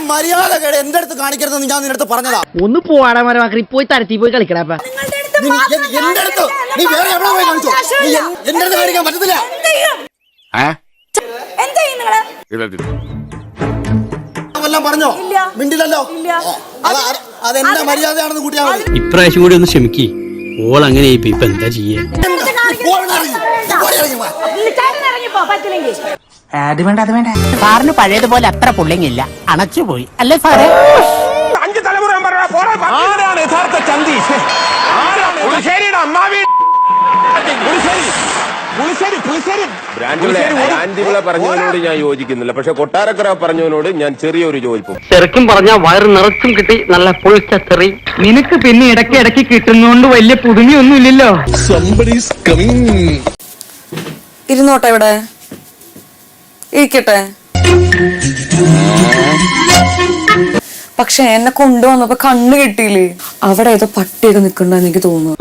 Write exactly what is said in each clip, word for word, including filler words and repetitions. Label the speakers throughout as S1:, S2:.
S1: മര്യാദ കേട് എന്റെ അടുത്ത് കാണിക്കരുതെന്ന് ഞാൻ നിന്റെ അടുത്ത് പറഞ്ഞതാ.
S2: ഒന്ന് പോവാടാ മരമാക്കി പോയി തരത്തി പോയി കളിക്കടാ.
S1: എന്റെ അടുത്ത് നീ വേറെ എവിടെ പോയി കാണിച്ചോ? എന്റെ അടുത്ത് കാണിക്കാൻ പറ്റത്തില്ല. വല്ലതും പറഞ്ഞോ? മിണ്ടില്ലല്ലോ. അതെന്റെ മര്യാദയാണെന്ന് കൂട്ടിയാ മതി.
S3: ഇപ്രാവശ്യം കൂടി ഒന്ന് ക്ഷമിക്കി. ഓൾ അങ്ങനെ ഇപ്പൊ എന്താ ചെയ്യാ?
S2: സാറിന് പഴയതുപോലെ അത്ര പുള്ളിങ്ങില്ല, അണച്ചുപോയി അല്ലേ സാറേ?
S4: അഞ്ച് തലമുറ ആരാണ് യഥാർത്ഥ ചന്തി?
S5: പറഞ്ഞവനോട് ഞാൻ യോജിക്കുന്നില്ല, പക്ഷെ കൊട്ടാരക്കര പറഞ്ഞവനോട് ഞാൻ ചെറിയൊരു യോജിപ്പും.
S3: ചെറുക്കും പറഞ്ഞ വയറ് നിറച്ചും കിട്ടി നല്ല പൊളിച്ച ചെറി. നിനക്ക് പിന്നെ ഇടയ്ക്ക് ഇടയ്ക്ക് കിട്ടുന്നോണ്ട് വലിയ പുതുമയൊന്നും ഇല്ലല്ലോ.
S6: ഇരുന്നോട്ടെ, ഇവിടെ ഇരിക്കട്ടെ. പക്ഷെ എന്നെ കൊണ്ടുവന്നപ്പോ കണ്ണ് കിട്ടിയില്ലേ? അവിടെ ഏതോ പട്ടിയൊക്കെ നിക്കണ്ടെന്ന് എനിക്ക് തോന്നുന്നു.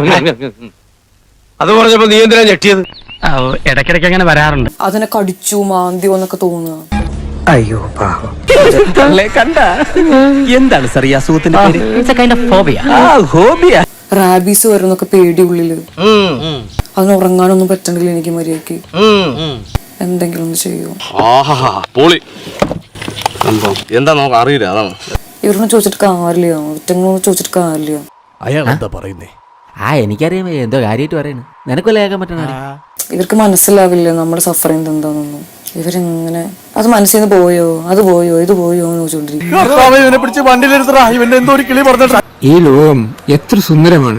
S3: അത് പറഞ്ഞപ്പോ നീ എന്തിനാ ഞെട്ടിയത്? ഇടയ്ക്കിടയ്ക്ക് അങ്ങനെ വരാറുണ്ട്.
S6: അതിനെ കടിച്ചു മാന്തിയോ എന്നൊക്കെ തോന്നുക.
S3: അയ്യോ പാവം. കണ്ട എന്താണ് സാർ ഈ അസുഖത്തിന്റെ പേര്?
S6: റാബീസ് വരുന്നൊക്കെ പേടി ഉള്ളില്. അതിന് ഉറങ്ങാനൊന്നും പറ്റണില്ല എനിക്ക് മര്യാദക്ക്. എന്തെങ്കിലും ഒന്ന് ചെയ്യോ?
S5: എന്താ നമുക്ക് അറിയില്ല, അതാണ്.
S6: ഇവരൊന്നും ചോദിച്ചിട്ട് കാര്യമില്ല, ഒറ്റങ്ങളൊന്നും ചോദിച്ചിട്ട് കാര്യമില്ല.
S7: അയാൾ എന്താ പറയുന്നേ?
S8: ആ എനിക്കറിയാം എന്തോ കാര്യമായിട്ട് പറയുന്നു. നിനക്കല്ലേ കേൾക്കാൻ പറ്റണ?
S6: ഇവർക്ക് മനസ്സിലാവില്ല നമ്മുടെ സഫറിങ് എന്താണെന്നൊന്നും. ഇവരെങ്ങനെ അത് മനസ്സിൽ നിന്ന് പോയോ, അത് പോയോ, ഇത് പോയോ എന്ന് ചോദിച്ചോണ്ടിരിക്കും.
S7: ഈ ലോകം എത്ര സുന്ദരമാണ്.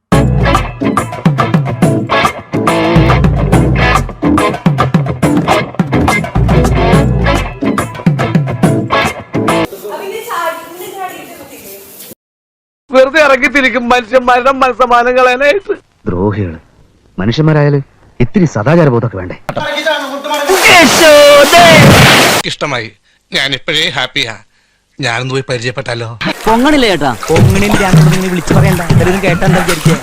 S4: വെറുതെ ഇറങ്ങിത്തിരിക്കും മനുഷ്യന്മാരുടെ മനസ്സമാനം കളയാനായിട്ട്.
S8: ദ്രോഹികള് മനുഷ്യന്മാരായാലും ഇത്തിരി സദാചാര ബോധമൊക്കെ വേണ്ടേ?
S9: ഇഷ്ടമായി. ഞാൻ ഇപ്പോഴേ ഹാപ്പിയാ. ഞാനൊന്ന് പോയി പരിചയപ്പെട്ടാലോ?
S8: പൊങ്ങണില്ല ചേട്ടാ, പൊങ്ങണില്ലാന്ന് വിളിച്ചു പറയണ്ട. എല്ലാവരും കേട്ടാ വിചാരിക്കുക.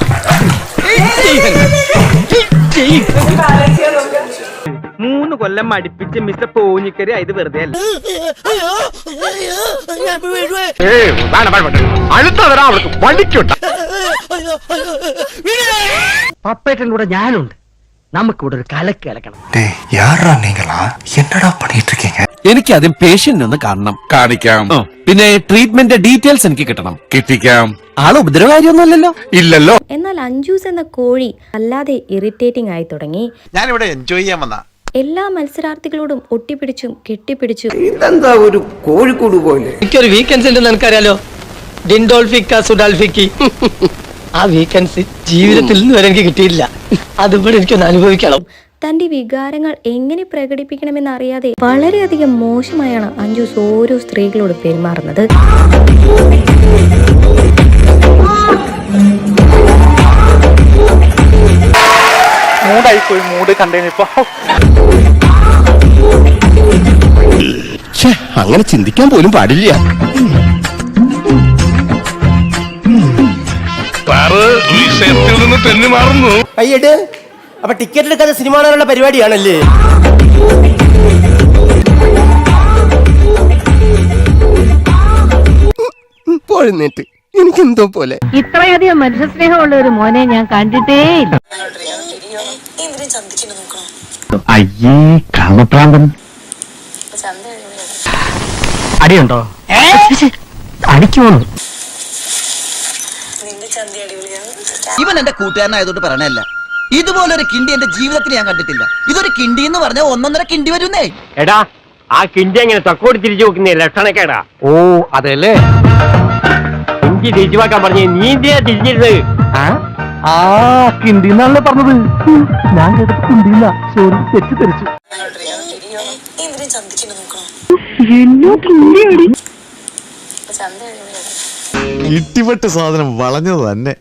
S2: മൂന്ന് കൊല്ലം അടുപ്പിച്ച് മിസ്റ്റർ പോഞ്ഞിക്കരി ഇത് വെറുതെ അല്ല. പപ്പേട്ടൻ്റെ കൂടെ ഞാനുണ്ട്. നമുക്കിവിടെ ഒരു കലക്ക് കലക്കണം.
S7: എനിക്ക് ആദ്യം പേഷ്യന്റ് ഒന്ന് കാണണം. കാണിക്കാം. പിന്നെ ട്രീറ്റ്മെന്റ് ഡീറ്റെയിൽസ് എനിക്ക് കിട്ടണം. കിട്ടിക്കാം. ആള് ഉപദ്രവകാരിയൊന്നുമല്ലല്ലോ? ഇല്ലല്ലോ.
S10: എന്നാൽ അഞ്ജൂസ് എന്ന കോഴി അല്ലാതെ ഇറിറ്റേറ്റിംഗ് ആയി തുടങ്ങി.
S9: ഞാനിവിടെ എൻജോയ് ചെയ്യാൻ വന്ന
S10: എല്ലാ മത്സരാർത്ഥികളോടും ഒട്ടിപ്പിടിച്ചും കെട്ടിപ്പിടിച്ചും.
S8: ഇതെന്താ ഒരു കോഴിക്കോട് പോലെ?
S3: എനിക്കൊരു വീക്കെൻഡ്സ് ഉണ്ടെന്ന് എനിക്കറിയാലോ. ഡിൻഡോൾഫിക്ക സുഡാൽഫിക്കി. ആ വീക്കെൻഡ്സ് ജീവിതത്തിൽ നിന്ന് വരെ എനിക്ക് കിട്ടിയില്ല. അതുപോലെ എനിക്കൊന്ന് അനുഭവിക്കണം.
S10: തന്റെ വികാരങ്ങൾ എങ്ങനെ പ്രകടിപ്പിക്കണമെന്നറിയാതെ വളരെയധികം മോശമായാണ് അഞ്ജൂസ് ഓരോ സ്ത്രീകളോട് പെരുമാറുന്നത്.
S4: മൂടായിപ്പോയി. മൂട് കണ്ടേനിപ്പോ
S7: അങ്ങനെ ചിന്തിക്കാൻ പോലും പാടില്ല.
S1: അയ്യട് അപ്പൊ ടിക്കറ്റ് എടുക്കാതെ സിനിമ കാണാനുള്ള പരിപാടിയാണല്ലേ?
S7: പോഴുന്നേറ്റ് എനിക്കെന്തോ പോലെ.
S2: ഇത്രയധികം മനുഷ്യസ്നേഹമുള്ള ഒരു മോനെ ഞാൻ കണ്ടിട്ടേ ഇല്ല.
S3: അയ്യേ കാമപ്രാന്തൻ. അടിയുണ്ടോ? അടിക്കുമോ?
S8: ഇവൻ എന്റെ കൂട്ടുകാരനായതുകൊണ്ട് പറയണല്ല. ഇതുപോലൊരു കിണ്ടി എന്റെ ജീവിതത്തിൽ ഞാൻ കണ്ടിട്ടില്ല. ഇതൊരു കിണ്ടി എന്ന് പറഞ്ഞാൽ ഒന്നൊന്നര കിണ്ടി വരുന്നേ.
S3: എടാ ആ കിണ്ടി എങ്ങനെ തക്കോട് തിരിച്ചു നോക്കുന്നേ ലക്ഷണക്കേടാ.
S7: ഓ അതെല്ലേ?
S3: കിണ്ടി തിരിച്ചു വെക്കാൻ പറഞ്ഞേ നീ എന്തിനാ തിരിഞ്ഞിരുന്നത്?
S7: ആ കിണ്ടി എന്നാണല്ലോ പറഞ്ഞത്. ഞാൻ കേട്ടത് കിണ്ടിയില്ല. സോറി, തെറ്റിദ്ധരിച്ചു.
S9: ഇട്ടിപ്പെട്ട് സാധനം വളഞ്ഞത് തന്നെ.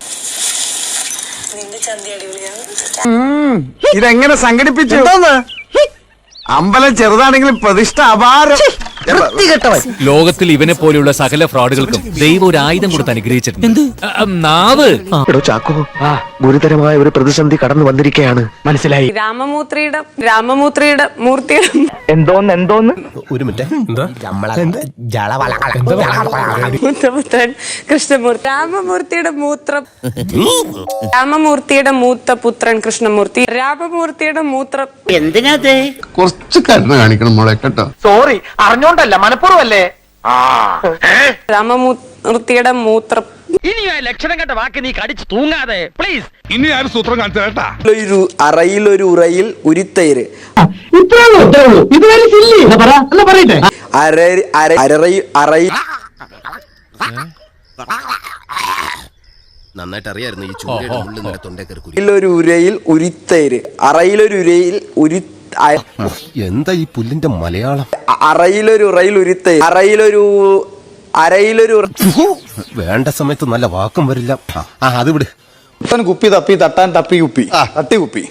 S4: ഇതെങ്ങനെ സംഘടിപ്പിച്ചു? അമ്പലം ചെറുതാണെങ്കിലും പ്രതിഷ്ഠ അപാരം.
S7: ലോകത്തിൽ ഇവനെ പോലെയുള്ള സകല ഫ്രോഡുകൾക്കും ദൈവം ഒരു ആയുധം കൊടുത്ത് അനുഗ്രഹിച്ചിട്ടുണ്ട്. എന്ത്? നാവ്.
S4: ചാക്കോ ഗുരുതരമായ ഒരു പ്രതിസന്ധി കടന്നു വന്നിരിക്കുകയാണ്.
S3: മനസ്സിലായി.
S6: രാമമൂർത്തിയുടെ രാമമൂർത്തിയുടെ മൂർത്തിയുടെ
S4: എന്തോന്ന് എന്തോന്ന്
S1: ഒരു മിനിറ്റ്
S6: മൂത്തപുത്രൻ കൃഷ്ണമൂർത്തി രാമമൂർത്തിയുടെ മൂത്രം രാമമൂർത്തിയുടെ മൂത്ത പുത്രൻ കൃഷ്ണമൂർത്തി രാമമൂർത്തിയുടെ മൂത്രം
S2: എന്തിനാ
S1: കുറച്ച് കരുണ കാണിക്കണം മോളെ കേട്ടോ.
S4: സോറി അറിഞ്ഞോണ്ടല്ല മനഃപൂർവ്വല്ലേ.
S6: രാമമൂർത്തിയുടെ മൂത്രം
S3: ഇനി ആ ലക്ഷണം കണ്ട വാക്ക് നീ കടിച്ചു തൂങ്ങാതെ പ്ലീസ്.
S9: ഇനി ആരും സൂത്രം കാണിച്ചു കേട്ടാ.
S8: ഒരു അറയിൽ ഒരു ഉറയിൽ ഉരുത്തൈര്
S5: നന്നായിട്ട് അറിയായിരുന്നു ഈ ചൂരയുടെ ഉള്ളിൽ നിന്ന് തൊണ്ടേ കയറി.
S8: ഒരു ഉരയിൽ ഉരുത്തൈര് അറയിലൊരു ഉരയിൽ ഉരു
S5: എന്താ ഈ പുല്ലിന്റെ മലയാളം?
S8: അറയിലൊരു ഉറയിൽ ഉരുത്തൈര് അറയിലൊരു അരയിലൊരു
S5: വേണ്ട സമയത്ത് നല്ല വാക്കും വരില്ല. ആ അത് വിട്.
S1: കുട്ടൻ കുപ്പി തപ്പി തട്ടാൻ തപ്പി കുപ്പി തട്ടി കുപ്പി.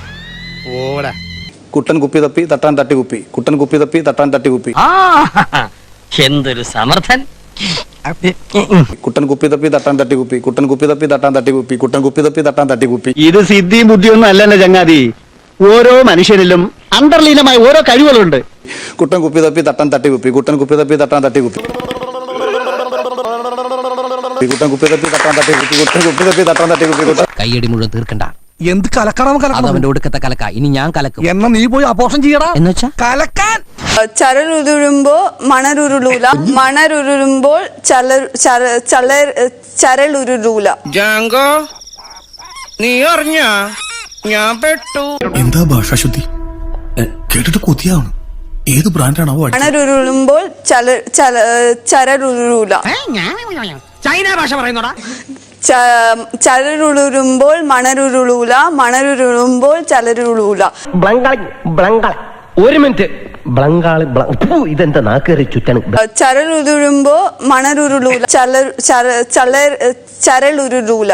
S1: കുട്ടൻ കുപ്പി തപ്പി തട്ടാൻ തട്ടി കുപ്പി. കുട്ടൻ കുപ്പി തപ്പി തട്ടാൻ തട്ടി കുപ്പി.
S3: എന്തൊരു സമർത്ഥൻ.
S1: കുട്ടൻ കുപ്പി തപ്പി തട്ടാൻ തട്ടി കുപ്പി. കുട്ടൻ കുപ്പി തപ്പി തട്ടാൻ തട്ടി കുപ്പി. കുട്ടൻ കുപ്പി തപ്പി തട്ടാൻ തട്ടി കുപ്പി.
S4: ഇത് സിദ്ധിയും ബുദ്ധിയൊന്നും അല്ലെന്നെ ചങ്ങാതി. ഓരോ മനുഷ്യനിലും അന്തർലീനമായ ഓരോ കഴിവുകളുണ്ട്.
S1: കുട്ടൻ കുപ്പി തപ്പി തട്ടാൻ തട്ടി കുപ്പി. കുട്ടൻ കുപ്പി തപ്പി തട്ടാൻ തട്ടി കുപ്പി. കുട്ടൻ കുപ്പി തപ്പി തട്ടാൻ തട്ടി കുപ്പി. കുട്ടൻ കുപ്പി തപ്പി തട്ടാൻ തട്ടി കുപ്പി.
S2: കയ്യടി മുഴുവൻ തീർക്കണ്ട.
S9: എന്ത് കലക്കണം കലക്കണം.
S2: അവന്റെ ഒടുക്കത്തെ കലക്ക. ഇനി ഞാൻ കലക്കും.
S9: എന്നാ നീ പോയി അപോഷം ചെയ്യടാ.
S2: എന്നുവെച്ചാ
S9: കലക്കാൻ.
S6: ചരലുരുളുമ്പോൾ മണരുരുളൂല മണരുരുളുമ്പോൾ ചല ചല ചരലുരുളൂല.
S3: ജാങ്കോ നീ അറിഞ്ഞ ഞാൻ പെട്ടു.
S9: എന്താ ഭാഷാശുദ്ധി കേട്ടിട്ട് കൊതിയാവണം. ഏത് ബ്രാൻഡാണാവോ?
S6: മണരുരുളുമ്പോൾ ചല ചല ചരലുരുളൂല.
S3: ചൈന ഭാഷ പറയുന്നോടാ.
S6: ചരലുരുളുമ്പോൾ മണരുരുളൂല മണരുരുളുമ്പോൾ ചലരുളൂല.
S3: ഒരു മിനിറ്റ്. ബ്ലങ്കാളി ഇതെന്താ നാക്കേറി ചുറ്റാണ്.
S6: ചരലുരുളുമ്പോ മണരുരുളൂല ചല ചല ചരലുരുളൂല.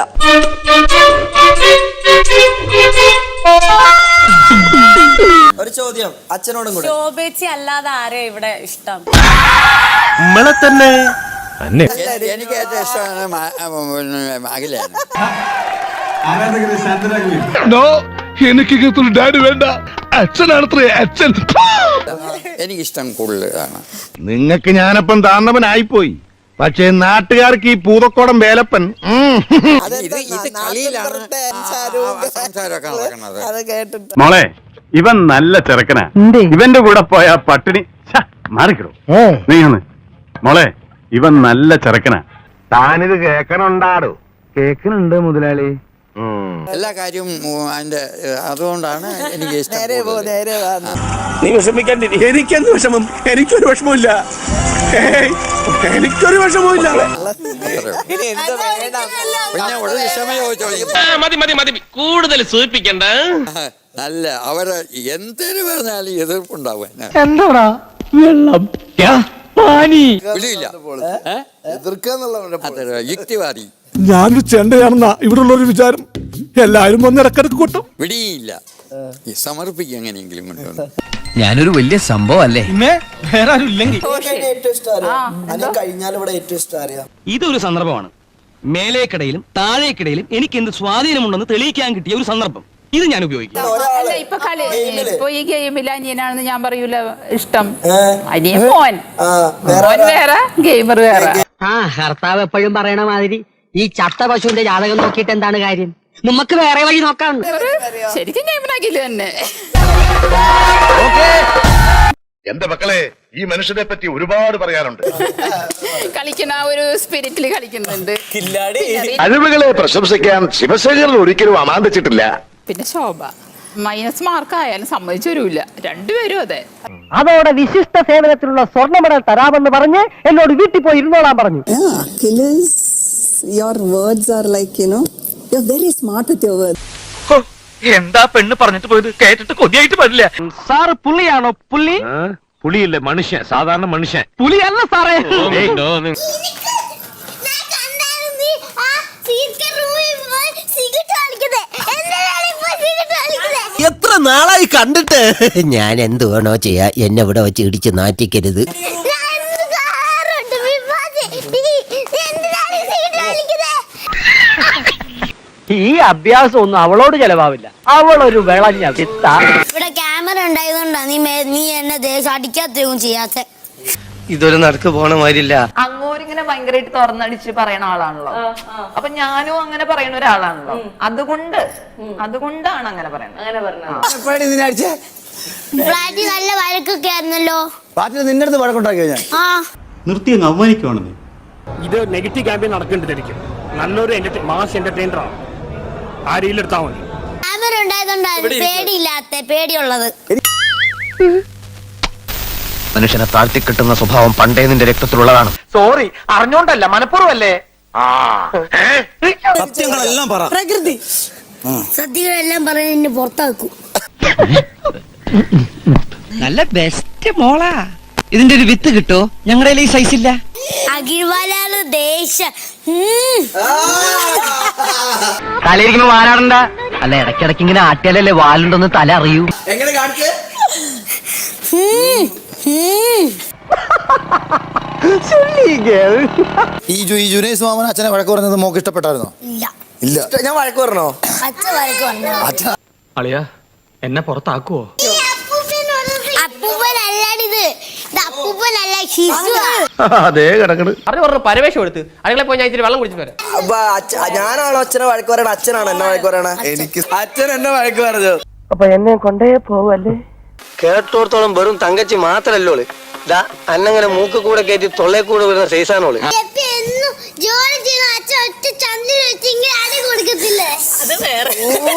S8: ഒരു ചോദ്യം അച്ഛനോടും കൂടെ.
S6: ശോഭേച്ചി അല്ലാതെ ആരെയാ ഇവിടെ ഇഷ്ടം?
S7: നമ്മളെ തന്നെ.
S8: എനിക്ക് ഏറ്റവും ഇഷ്ടമാണ് അഖിലാണ്.
S9: എനിക്ക് ഇങ്ങനത്തെ ഡാഡി വേണ്ട. അച്ഛനാണത്രേ അച്ഛൻ.
S8: എനിക്കിഷ്ടം കൂടുതലാണ്.
S4: നിങ്ങക്ക് ഞാനപ്പം താന്നവനായിപ്പോയി. പക്ഷേ നാട്ടുകാർക്ക് ഈ പൂതക്കോടം വേലപ്പൻ.
S7: മോളെ ഇവൻ നല്ല ചെറുക്കനാ. ഇവന്റെ കൂടെ പോയ പട്ടിണി മാറിക്കിടും. നീ ഒന്ന് മോളെ ഇവൻ നല്ല ചെറുക്കനാ.
S4: താനിത് കേക്കണുണ്ടാടോ? കേക്കണുണ്ട് മുതലാളി.
S8: എല്ലാ കാര്യവും അതിന്റെ അതുകൊണ്ടാണ് എനിക്ക് ഇഷ്ടം.
S4: നീ വിഷമിക്കാണ്ടി. എനിക്കെന്ത് വിഷമം? എനിക്കൊരു വിഷമമില്ല. എനിക്കൊരു വിഷമമില്ല.
S8: പിന്നെ ഒരു വിഷമം ചോദിച്ചോ.
S3: മതി മതി മതി കൂടുതൽ സൂചിപ്പിക്കണ്ട.
S8: നല്ല അവര് എന്തിനു പറഞ്ഞാലും എതിർപ്പുണ്ടാവും.
S3: എന്താടാ വെള്ളം
S8: വിളിയില്ല. എതിർക്കുക യുക്തിവാദി.
S9: ഞാനൊരു ചെണ്ടയാണെന്നാ ഇവിടെ ഉള്ളൊരു വിചാരം. എല്ലാരും വന്ന് ഇടക്കിടക്ക് കൊട്ടും.
S8: വിടിയില്ല. സമർപ്പിക്കുക എങ്ങനെയെങ്കിലും കൊണ്ടുവന്ന്.
S2: ഞാനൊരു വലിയ സംഭവം അല്ലേ.
S3: വേറെ ആരും ഇല്ലെങ്കിൽ
S4: ഇതൊരു സന്ദർഭമാണ്. മേലേക്കിടയിലും താഴേക്കിടയിലും എനിക്ക് എന്ത് സ്വാധീനമുണ്ടെന്ന് തെളിയിക്കാൻ കിട്ടിയ ഒരു സന്ദർഭം. ഇത് ഞാൻ ഉപയോഗിക്കും.
S6: ഇപ്പൊ കളി ഇപ്പൊ ഈ ഗെയിമിൽ അനിയനാണെന്ന് ഞാൻ പറയൂല. ഇഷ്ടം അനിയൻ മോൻ മോൻ വേറെ ഗെയിമർ വേറെ.
S3: ആ ഭർത്താവ് എപ്പോഴും പറയണ മാതിരി ഈ ചത്ത പശുവിന്റെ ജാതകം നോക്കിയിട്ട് എന്താണ് കാര്യം? നമുക്ക് വേറെ വഴി നോക്കാം.
S6: ശരിക്കും ഗെയിമിനാക്കില്ല തന്നെ.
S9: എന്റെ മക്കളെ ഈ മനുഷ്യനെ പറ്റി ഒരുപാട് പറയാനുണ്ട്.
S6: കളിക്കുന്ന ഒരു സ്പിരിറ്റില് കളിക്കുന്നുണ്ട്.
S4: കഴിവുകളെ പ്രശംസിക്കാൻ ശിവശേഖരൻ ഒരിക്കലും അമാന്തിച്ചിട്ടില്ല.
S6: പിന്നെ ശോഭ മൈനസ് മാർക്ക് ആയാലും സമ്മതിച്ചു വരൂല. രണ്ടുപേരും അതെ.
S3: അതോടെ വിശിഷ്ട സേവനത്തിലുള്ള സ്വർണ്ണ മെഡൽ തരാമെന്ന് പറഞ്ഞ് എന്നോട് വീട്ടിൽ പോയി ഇരുന്നോളാൻ പറഞ്ഞു.
S6: Your words are like, you know, you're very smart with your words.
S4: എന്താ പെണ്ണ് പറഞ്ഞിട്ട് പോയത്? കേട്ടിട്ട് കൊതിയായിട്ട് പാടില്ല.
S3: സാറ് പുള്ളിയാണോ? പുള്ളി
S7: പുളിയില്ലേ മനുഷ്യൻ, സാധാരണ മനുഷ്യൻ.
S3: പുലിയല്ല സാറേ.
S8: എത്ര നാളായി കണ്ടിട്ട്. ഞാൻ എന്ത് വേണോ ചെയ്യാ, എന്നെ ഇവിടെ വെച്ച് ഇടിച്ച് നാറ്റിക്കരുത്.
S3: ഈ അഭ്യാസം ഒന്നും അവളോട് ചെലവാവില്ല. അവളൊരു വിളഞ്ഞ വിത്ത.
S10: ഇവിടെ ക്യാമറ ഉണ്ടായതുകൊണ്ടാ നീ നീ എന്നെ ദേശം അടിക്കാത്തതും ചെയ്യാത്ത.
S3: ഇതൊരു നടക്ക് പോണ മാതിരില്ല.
S6: അങ്ങോരിങ്ങനെ ഭയങ്കരമായിട്ട് തുറന്നടിച്ച് പറയണ ആളാണല്ലോ. അപ്പൊ ഞാനും അങ്ങനെ പറയുന്ന ഒരാളാണല്ലോ. അതുകൊണ്ട് അതുകൊണ്ടാണ് അങ്ങനെ പറയുന്നത്. അങ്ങനെ പറഞ്ഞത്
S10: ഫ്ലാറ്റിൽ നല്ല വഴക്കൊക്കെ ആയിരുന്നല്ലോ.
S1: നിന്റെ അടുത്ത് വഴക്കുണ്ടാക്കിയോ ഞാൻ?
S10: ആ
S7: നിർത്തി അങ്ങ് അവമാനിക്കുവാണെന്ന്.
S9: ഇത് നെഗറ്റീവ് ക്യാമ്പയിൻ നടക്കേണ്ടതായിരിക്കും. നല്ലൊരു മാസ് എന്റർടൈനറാണ്. ആ രീതിയിലെടുത്താൽ മതി.
S10: ക്യാമറ ഉണ്ടായതുകൊണ്ടാണ് പേടിയില്ലാത്ത പേടിയുള്ളത്.
S8: മനുഷ്യനെ താഴ്ത്തി കിട്ടുന്ന സ്വഭാവം പണ്ടേ നിന്റെ രക്തത്തിലുള്ളതാണ്.
S3: സോറി, അറിഞ്ഞോണ്ടല്ല, മനഃപൂർവ്വല്ലേ.
S1: സത്യങ്ങളെല്ലാം പറ.
S10: പ്രകൃതി സത്യങ്ങളെല്ലാം പറഞ്ഞ് എന്നെ പുറത്താക്കും.
S3: നല്ല ബെസ്റ്റ് മോളാ. ഇതിന്റെ ഒരു വിത്ത് കിട്ടോ? ഞങ്ങളുടെ ഈ സൈസ് ഇല്ല.
S10: അഖിൽവാലാണ് ദേശം.
S3: തലയിരിക്കുമ്പോ വാരാടണ്ട. അല്ല, ഇടയ്ക്കിടയ്ക്ക് ഇങ്ങനെ ആട്ടിയാലല്ലേ വാലുണ്ടെന്ന് തല അറിയൂ.
S8: എങ്ങനെ കാണിക്കേ?
S1: ഈ ഈ ജുനൈസ് മാമൻ അച്ഛനെ വഴക്ക് പറഞ്ഞത് മോക്ക് ഇഷ്ടപ്പെട്ടായിരുന്നോ?
S10: ഇല്ല.
S1: ഇല്ല.
S8: ഞാൻ വഴക്ക് പറഞ്ഞോ?
S10: അച്ഛ വഴക്ക് പറഞ്ഞു.
S9: അളിയ എന്നെ പുറത്താക്കുവോ?
S10: അപ്പൂപ്പനല്ലാടിത്. ഇത് അപ്പൂപ്പനല്ല, ശിശുവാ.
S3: അതേ കിടക്കണ്.
S4: പറഞ്ഞു പറഞ്ഞു പരവേശം എടുത്ത് അടുക്കള പോയി ഞാൻ ഇച്ചിരി വെള്ളം കുടിച്ചിട്ട് വരാം.
S8: ഞാനാണോ അച്ഛനെ വഴക്ക് പറയണ? അച്ഛനാണോ എന്നെ വഴക്ക് പറയണ? എനിക്ക് അച്ഛൻ എന്നെ വഴക്ക് പറഞ്ഞു.
S3: അപ്പൊ എന്നെ കൊണ്ടേ പോവല്ലേ? കേട്ടോടത്തോളം വെറും തങ്കച്ചി മാത്രല്ലോ അന്നങ്ങനെ മൂക്ക് കൂടെ കയറ്റി തൊള്ളേ കൂടെ വരുന്ന സൈസാണോള്.
S10: ജോലി ചെയ്യുന്ന അച്ഛൻ ഒറ്റ ചന്ദ്രൻ വെച്ച് ഇങ്ങനെ അടി കൊടുക്കത്തില്ലേ? അത് വേറെ.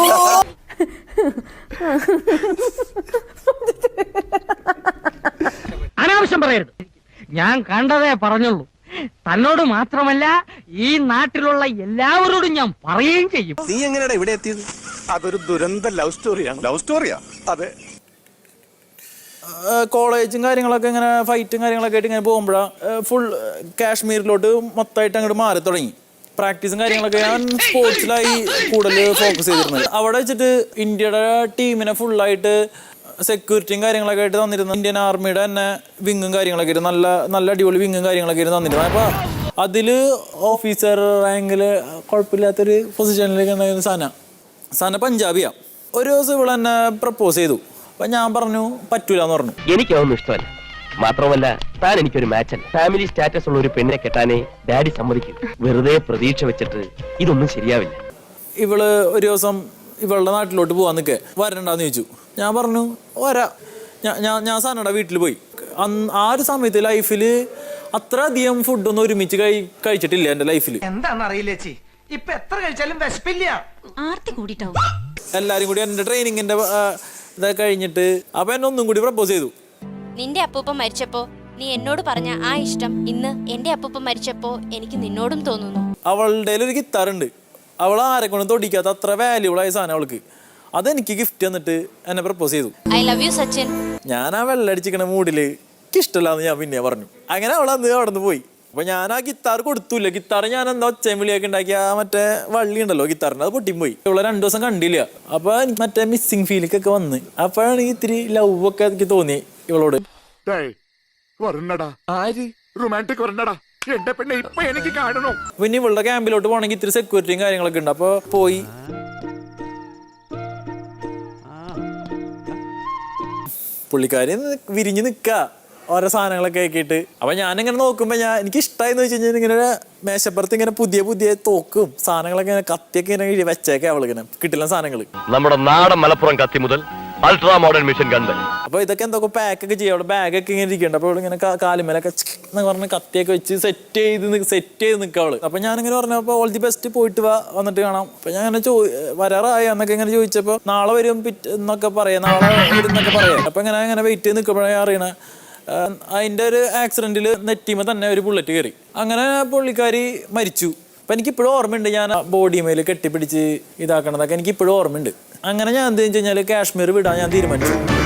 S3: അനാവശ്യം പറയരുത്. ഞാൻ കണ്ടതേ പറഞ്ഞുള്ളൂ. തന്നോട് മാത്രമല്ല, ഈ നാട്ടിലുള്ള എല്ലാവരോടും ഞാൻ പറയുകയും ചെയ്യും.
S8: നീ എങ്ങനെയാ ഇവിടെ എത്തിയത്?
S9: അതൊരു ദുരന്ത ലവ് സ്റ്റോറിയാണ്.
S8: ലവ് സ്റ്റോറിയാ? അതെ.
S1: കോളേജും കാര്യങ്ങളൊക്കെ ഇങ്ങനെ ഫൈറ്റും കാര്യങ്ങളൊക്കെ ആയിട്ട് ഇങ്ങനെ പോകുമ്പോഴാണ് ഫുൾ കാശ്മീരിലോട്ട് മൊത്തമായിട്ട് അങ്ങോട്ട് മാറി തുടങ്ങി. പ്രാക്ടീസും കാര്യങ്ങളൊക്കെ ഞാൻ സ്പോർട്സിലായി കൂടുതൽ ഫോക്കസ് ചെയ്തിരുന്നത്. അവിടെ വെച്ചിട്ട് ഇന്ത്യയുടെ ടീമിനെ ഫുള്ളായിട്ട് സെക്യൂരിറ്റിയും കാര്യങ്ങളൊക്കെ ആയിട്ട് തന്നിരുന്നു. ഇന്ത്യൻ ആർമിയുടെ തന്നെ വിങ്ങും കാര്യങ്ങളൊക്കെ ആയിട്ട് നല്ല നല്ല അടിപൊളി വിങ്ങും കാര്യങ്ങളൊക്കെ ആയിട്ട് തന്നിരുന്നു. അപ്പോൾ അതിൽ ഓഫീസർ റാങ്കിൽ കുഴപ്പമില്ലാത്തൊരു പൊസിഷനിലേക്ക് ഉണ്ടായിരുന്ന സന സന പഞ്ചാബിയാണ്. ഒരു ദിവസം ഇവിടെ എന്നെ പ്രപ്പോസ് ചെയ്തു. അപ്പം ഞാൻ പറഞ്ഞു പറ്റൂല എന്ന് പറഞ്ഞു.
S4: എനിക്കതൊന്നും ഇഷ്ടമല്ല. മാത്രമല്ല, താൻ എനിക്കൊരു മാച്ചല്ല. ഫാമിലി സ്റ്റാറ്റസ് ഉള്ള ഒരു പെണ്ണിനെ കെട്ടാനേ ഡാഡി സമ്മതിക്കും. വെറുതെ പ്രതീക്ഷ വെച്ചിട്ട് ഇതൊന്നും ശരിയാവില്ല.
S1: ഇവള് ഒരു ദിവസം ഇവളുടെ നാട്ടിലോട്ട് പോകാൻ നിൽക്കേ വരണ്ടെന്ന് ചോദിച്ചു. ഞാൻ പറഞ്ഞു വരാ. ഞാൻ ഞാൻ ഞാൻ സാനയുടെ വീട്ടിൽ പോയി. അന്ന് ആ ഒരു സമയത്ത് ലൈഫിൽ അത്ര അധികം ഫുഡൊന്നും ഒരുമിച്ച് കഴി കഴിച്ചിട്ടില്ല എൻ്റെ ലൈഫിൽ.
S3: എന്താണെന്നറിയില്ല ചേച്ചി, ഇപ്പൊ എത്ര കഴിച്ചാലും വിശപ്പില്ല.
S10: ആർത്തി കൂടിട്ടാവും.
S1: എല്ലാരും കൂടി എൻ്റെ ട്രെയിനിങ്ങിന്റെ ഇതൊക്കെ കഴിഞ്ഞിട്ട് അപ്പൊ എന്നെ ഒന്നും കൂടി പ്രപ്പോസ് ചെയ്തു.
S10: നിന്റെ അപ്പൂപ്പൻ മരിച്ചപ്പോ നീ എന്നോട് പറഞ്ഞ ആ ഇഷ്ടം ഇന്ന് എന്റെ അപ്പൂപ്പൻ മരിച്ചപ്പോ എനിക്ക് നിന്നോടും തോന്നുന്നു.
S1: അവളുടെ ഒരു ഗിത്താറുണ്ട്. അവൾ ആരെ കൊണ്ടും തൊടിക്കാത്ത അത്ര വാല്യൂബിൾ ആയ സാധനം അവൾക്ക്. അതെനിക്ക് ഗിഫ്റ്റ് തന്നിട്ട് എന്നെ പ്രപ്പോസ് ചെയ്തു.
S10: I love you Sachin.
S1: ഞാൻ ആ വെള്ളടിച്ചിരിക്കണ മൂഡില് ഇഷ്ടമല്ലാന്ന് ഞാൻ പിന്നെ പറഞ്ഞു. അങ്ങനെ അവൾ അന്ന് അവിടെ നിന്ന് പോയി. അപ്പൊ ഞാൻ ആ ഗിത്താർ കൊടുത്തൂല്ല. ഗിത്താർ ഞാൻ എന്താ ഒച്ചയും വിളിയൊക്കെ ഉണ്ടാക്കി ആ മറ്റേ വള്ളി ഉണ്ടല്ലോ ഗിത്താറിന്റെ, അത് പൊട്ടിയും പോയി. ഇവളെ രണ്ടു ദിവസം കണ്ടില്ല. അപ്പൊ എനിക്ക് മറ്റേ മിസ്സിങ് ഫീലിക്കൊക്കെ വന്ന് അപ്പോഴാണ് ഇത്തിരി ലവ് ഒക്കെ എനിക്ക് തോന്നി ഇവളോട്. പിന്നെ ഇവളുടെ ക്യാമ്പിലോട്ട് പോകണമെങ്കിൽ ഇത്തിരി സെക്യൂരിറ്റിയും കാര്യങ്ങളൊക്കെ ഉണ്ട്. അപ്പൊ പോയി പുള്ളിക്കാരി വിരിഞ്ഞ് നിക്ക ഓരോ സാധനങ്ങളൊക്കെ ആക്കിയിട്ട്. അപ്പൊ ഞാനിങ്ങനെ നോക്കുമ്പോ ഞാൻ എനിക്ക് ഇഷ്ടമായെന്ന് വെച്ച് കഴിഞ്ഞാൽ ഇങ്ങനെ മേശപ്പുറത്ത് ഇങ്ങനെ പുതിയ പുതിയ തോക്കും സാധനങ്ങളൊക്കെ ഇങ്ങനെ കത്തിയൊക്കെ ഇങ്ങനെ വെച്ചേക്കെ അവളിങ്ങനെ കിട്ടില്ല സാധനങ്ങൾ.
S4: നമ്മുടെ നാടൻ മലപ്പുറം കത്തി മുതൽ അൾട്രാ മോഡേൺ മിഷൻ ഗണ്ട്.
S1: അപ്പൊ ഇതൊക്കെ എന്തൊക്കെ പാക്കൊക്കെ ചെയ്യാം. അവിടെ ബാഗൊക്കെ ഇങ്ങനെ ഇരിക്കുന്നുണ്ട്. അപ്പൊ ഇങ്ങനെ കാലുമേലൊക്കെ എന്ന് പറഞ്ഞ് കത്തിയൊക്കെ വെച്ച് സെറ്റ് ചെയ്ത് സെറ്റ് ചെയ്ത് നിൽക്കുക അവള്. അപ്പൊ ഞാനിങ്ങനെ പറഞ്ഞപ്പോ ഓൾ ദി ബെസ്റ്റ്, പോയിട്ട് വാ, വന്നിട്ട് കാണാം. അപ്പൊ ഞാൻ അങ്ങനെ ചോ വരാറായി എന്നൊക്കെ ഇങ്ങനെ ചോദിച്ചപ്പോ നാളെ വരും പിറ്റ് എന്നൊക്കെ പറയാം, നാളെ വരും എന്നൊക്കെ പറയാം. അപ്പൊ ഇങ്ങനെ ഇങ്ങനെ വെയിറ്റ് ചെയ്ത് നിൽക്കുമ്പോഴേ അറിയണേ അതിൻ്റെ ഒരു ആക്സിഡന്റിൽ നെറ്റിമ തന്നെ ഒരു ബുള്ളറ്റ് കയറി. അങ്ങനെ പുള്ളിക്കാരി മരിച്ചു. അപ്പം എനിക്കിപ്പോഴും ഓർമ്മയുണ്ട് ഞാൻ ബോഡിമേൽ കെട്ടിപ്പിടിച്ച് ഇതാക്കണതൊക്കെ എനിക്കിപ്പോഴും ഓർമ്മയുണ്ട്. അങ്ങനെ ഞാൻ എന്താ വെച്ച് കഴിഞ്ഞാൽ കാശ്മീർ വിടാൻ ഞാൻ തീരുമാനിച്ചു.